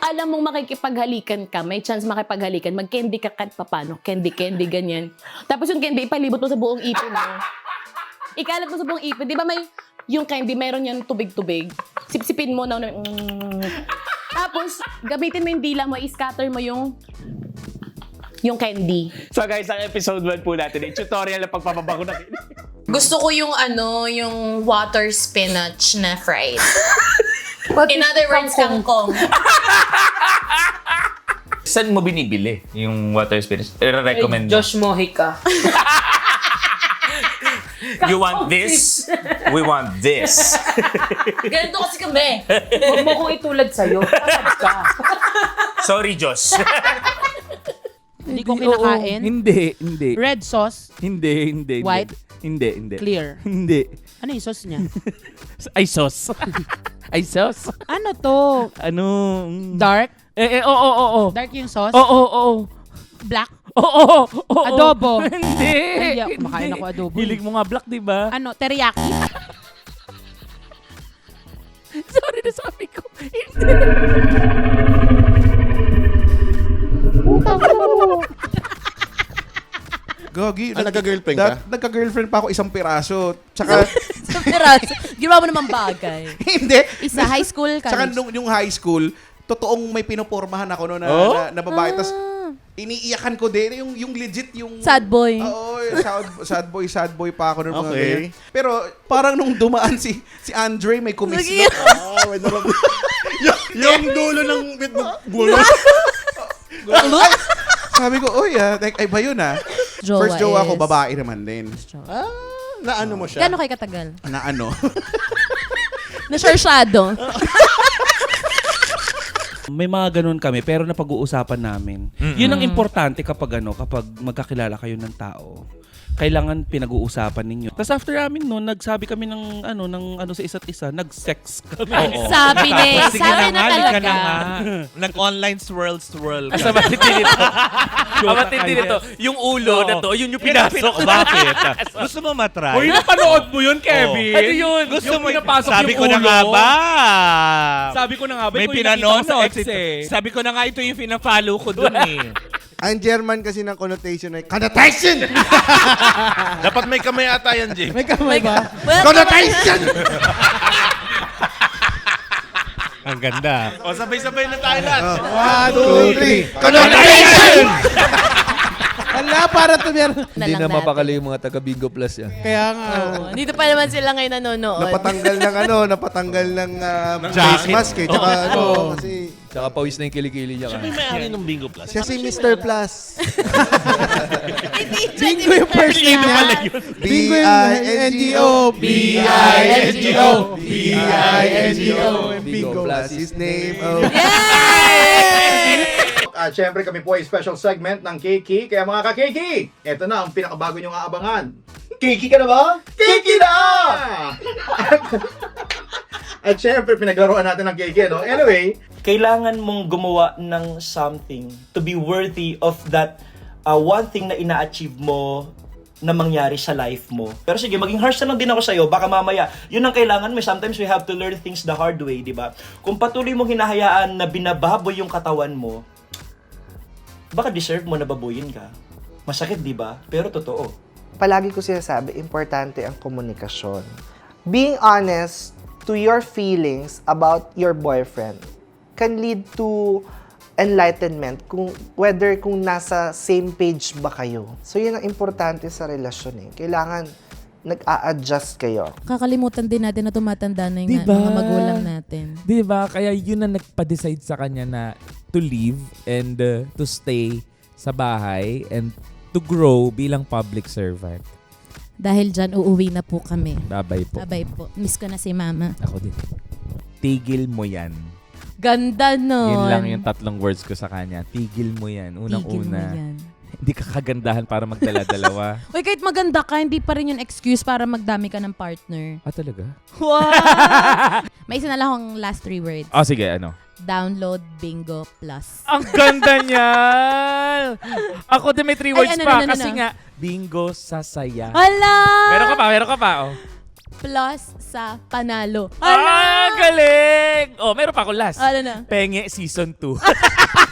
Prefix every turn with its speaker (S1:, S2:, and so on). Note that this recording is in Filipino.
S1: alam mong makikipaghalikan ka, may chance makipaghalikan, mag-candy ka kahit papano. Candy, ganyan. Tapos yung candy, ipalibot mo sa buong ipin mo. Ikalat mo sa buong ipin. Di ba may, yung candy, meron yan tubig-tubig. Sipsipin mo na. Tapos, gamitin mo yung dila mo, i-scatter mo yung candy.
S2: So guys, ang episode 1 po natin, yung tutorial na pagpapabango na.
S3: Gusto ko yung yung water spinach na fried. In other words, kangkong.
S2: Saan mo binibili yung water spinach? I-recommend mo.
S4: Josh Mojica.
S2: You want this? We want this.
S3: Ganito kasi kami.
S4: Huwag mo kong itulad sa'yo. Patad ka.
S2: Sorry, Josh.
S5: Hindi ko kinakain.
S6: Hindi.
S5: Red sauce,
S6: Hindi.
S5: White?
S6: Hindi.
S5: clear.
S6: Hindi.
S5: Ano yung sauce niya?
S6: Ay, sauce. Ay, sauce.
S5: Ano to?
S6: Ano?
S5: Dark?
S6: Oo.
S5: Dark yung sauce?
S6: Oo.
S5: Black?
S6: Oo.
S5: Adobo?
S6: Hindi.
S5: Hindi ako makain ako adobo.
S6: Hilig mo nga black, di ba?
S5: Ano? Teriyaki?
S6: Sorry na sabi ko. Hindi.
S7: Gogi.
S8: Nagka-girlfriend ka?
S7: Nagka-girlfriend pa ako isang piraso. Tsaka,
S1: Sa piraso. Ginawa mo naman bagay.
S7: hindi.
S1: Isa, high school,
S7: Tsaka
S1: college.
S7: nung yung high school, totoong may pinupormahan ako no, na babae. Tapos, iniiyakan ko din. Yung legit, yung...
S1: Sad boy.
S7: Oo, sad boy pa ako nung mga
S8: Okay.
S7: ganyan. Pero, parang nung dumaan si Andre, may kumislot.
S8: Ah, wait na lang. yung dulo ng gulo.
S7: Sabi ko, oy, ay ba yun
S1: Jowa
S7: First jowa ko,
S1: is-
S7: babae naman din.
S8: Ah, naano mo siya?
S1: Gano'n kayo katagal?
S7: Na ano?
S1: Nasarsyado.
S6: May mga ganun kami, pero napag-uusapan namin. Yun ang importante kapag magkakilala kayo ng tao. Kailangan pinag-uusapan ninyo. Tapos after namin noon, nagsabi kami ng sa isa't isa, nag-sex kami.
S1: Sabi na
S6: Sige
S1: Sabi
S6: na
S1: na
S6: nga,
S1: talaga.
S6: ka na nga.
S9: Nag-online swirl.
S2: Sa matindi nito. Ang matindi nito, yung ulo na to, yun yung pinasok.
S9: Bakit? Gusto mo matry?
S6: Hoy, napanood mo yun, Kevin?
S2: Ano yun?
S9: Gusto
S6: Yung
S9: mo
S6: pinapasok
S9: sabi
S6: yung
S9: ko na
S6: ulo?
S9: nga ba?
S6: Sabi ko na nga ba,
S9: May
S6: ito yung nakita
S9: pinanood
S6: ko sa ex eh.
S9: Sabi ko na nga ito yung pina-follow ko dun eh.
S8: Ang German kasi ng connotation ay connotation!
S9: Dapat may kamay ata yan, Jim.
S4: May kamay ba?
S8: Connotation!
S9: Ang ganda. O, sabay-sabay na tayo lahat.
S8: 1, 2, 3. Connotation!
S4: Hala, para to meron.
S1: Hindi na mapakali
S10: yung mga taga-Bingo Plus yan.
S4: Kaya nga.
S1: Dito pa naman sila ngayon nanonood.
S7: Napatanggal ng face mask eh. Tsaka kasi
S10: Tsaka pawis na yung kilikili niya.
S9: Siya may may-ari ng Bingo Plus.
S8: Siya si Mr. Plus.
S4: Bingo yung first name niya.
S7: B-I-N-G-O.
S8: B-I-N-G-O.
S7: B-I-N-G-O.
S10: Bingo Plus
S7: His name. Oh.
S11: At syempre kami po ay special segment ng Kiki. Kaya mga ka-Kiki, eto na ang pinakabago nyong aabangan. Kiki ka na ba? Kiki na! At syempre pinaglaruan natin ng Kiki, no? Anyway,
S2: Kailangan mong gumawa ng something to be worthy of that one thing na ina-achieve mo na mangyari sa life mo. Pero sige, maging harsh na lang din ako sa'yo. Baka mamaya, yun ang kailangan mo. Sometimes we have to learn things the hard way, di ba? Kung patuloy mong hinahayaan na binababoy yung katawan mo, baka deserve mo na babuyin ka. Masakit, di ba? Pero totoo.
S12: Palagi ko sinasabi, importante ang komunikasyon. Being honest to your feelings about your boyfriend can lead to enlightenment kung nasa same page ba kayo. So yun ang importante sa relasyon eh. Kailangan nag-a-adjust kayo.
S1: Kakalimutan din natin na tumatanda na yung
S6: Diba?
S1: mga magulang natin.
S6: Diba? Kaya yun ang nagpa-decide sa kanya na to leave and to stay sa bahay and to grow bilang public servant.
S1: Dahil dyan, uuwi na po kami.
S6: Babay po.
S1: Babay po. Miss ko na si mama.
S6: Ako din. Tigil mo yan.
S1: Ganda nun.
S6: Yun lang yung 3 words ko sa kanya. Tigil mo yan.
S1: Tigil mo
S6: Unang-una.
S1: yan.
S6: Hindi ka kagandahan para magdala-dalawa.
S1: Uy, kahit maganda ka, hindi pa rin yung excuse para magdami ka ng partner.
S6: Ah, talaga?
S1: Wow! May isa na lang akong last 3 words.
S6: Oh, sige, ano?
S1: Download Bingo Plus.
S6: Ang ganda niyan! Ako din may 3 words
S1: ano,
S6: pa
S1: ano,
S6: kasi
S1: ano?
S6: nga, bingo sa saya.
S1: Hala!
S6: Meron ka pa, oh.
S1: Plus sa panalo.
S6: Ah, galing!
S13: meron pa ako last.
S1: Ano na?
S13: Penge Season 2.